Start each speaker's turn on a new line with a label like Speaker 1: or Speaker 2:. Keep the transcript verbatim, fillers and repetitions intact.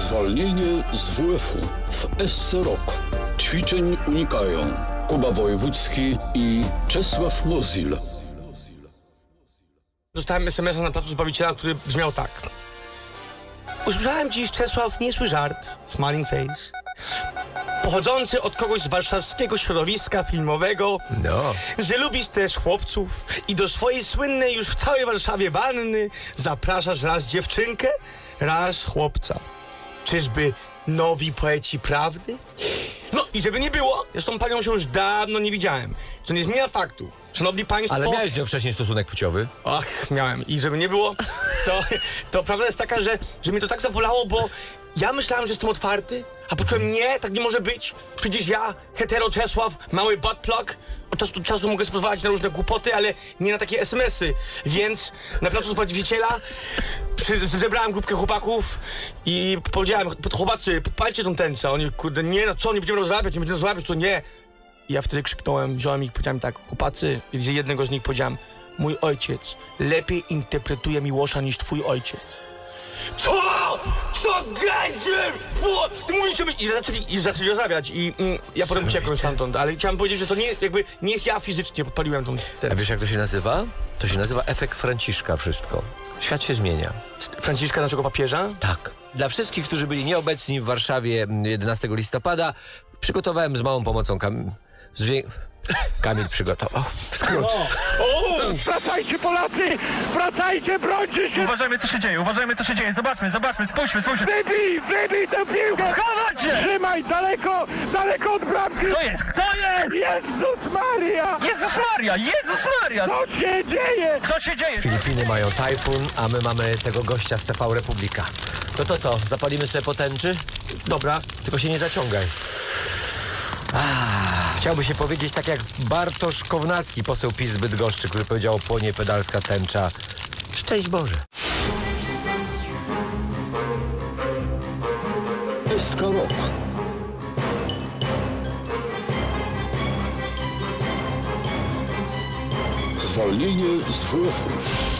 Speaker 1: Zwolnienie z W F-u w S C Rok. Ćwiczeń unikają Kuba Wojewódzki i Czesław Mozil.
Speaker 2: Dostałem es em es a na placu Zbawiciela, który brzmiał tak. Usłyszałem dziś, Czesław, niezły żart, smiling face, pochodzący od kogoś z warszawskiego środowiska filmowego,
Speaker 3: No.
Speaker 2: że lubisz też chłopców i do swojej słynnej już w całej Warszawie wanny zapraszasz raz dziewczynkę, raz chłopca. Czyżby nowi poeci prawdy? No i żeby nie było, zresztą panią się już dawno nie widziałem, co nie zmienia faktu. Szanowni państwo...
Speaker 3: Ale miałeś z nią wcześniej stosunek płciowy?
Speaker 2: Ach, miałem. I żeby nie było, to, to prawda jest taka, że, że mnie to tak zabolało, bo ja myślałem, że jestem otwarty, a poczułem, nie, tak nie może być. Przecież ja, hetero Czesław, mały butt plug, od czasu do czasu mogę pozwalać na różne głupoty, ale nie na takie es em esy. Więc na placu Zbawiciela przy, zebrałem grupkę chłopaków i powiedziałem, chłopacy, podpalcie tą tęczę. Oni, kurde, nie, no co, nie będziemy rozrabiać, nie będziemy rozrabiać, co nie. I ja wtedy krzyknąłem, wziąłem ich, powiedziałem tak, chłopacy, i gdzie jednego z nich powiedziałem, mój ojciec lepiej interpretuje Miłosza niż twój ojciec. Co? Co gędzier? Ty mówisz sobie... I zaczęli, i zaczęli rozmawiać i mm, ja potem uciekłem stamtąd, ale chciałem powiedzieć, że to nie, jakby, nie jest ja fizycznie, podpaliłem tą... Ten...
Speaker 3: A wiesz, jak to się nazywa? To się nazywa efekt Franciszka wszystko. Świat się zmienia.
Speaker 2: Franciszka, naszego papieża?
Speaker 3: Tak. Dla wszystkich, którzy byli nieobecni w Warszawie jedenastego listopada, przygotowałem z małą pomocą Kam... Zwię... Kamil przygotował. W skrót.
Speaker 4: Wracajcie, Polacy! Wracajcie, brońcie się!
Speaker 5: Uważajmy, co się dzieje, uważajmy, co się dzieje. Zobaczmy, zobaczmy, spójrzmy, spójrzmy.
Speaker 4: Wybij, wybij tę piłkę!
Speaker 5: Chować się!
Speaker 4: Trzymaj daleko, daleko od bramki!
Speaker 5: Co jest? Co jest?
Speaker 4: Jezus Maria!
Speaker 5: Jezus Maria, Jezus Maria!
Speaker 4: Co się dzieje?
Speaker 5: Co się dzieje?
Speaker 3: Filipiny mają tajfun, a my mamy tego gościa z T V Republika. No to co, zapalimy sobie potęczy?
Speaker 2: Dobra.
Speaker 3: Tylko się nie zaciągaj. Ah, chciałby się powiedzieć tak jak Bartosz Kownacki, poseł PiS z Bydgoszczy, który powiedział, płonie pedalska tęcza. Szczęść Boże.
Speaker 1: S K Rok. Zwolnienie z W F-u.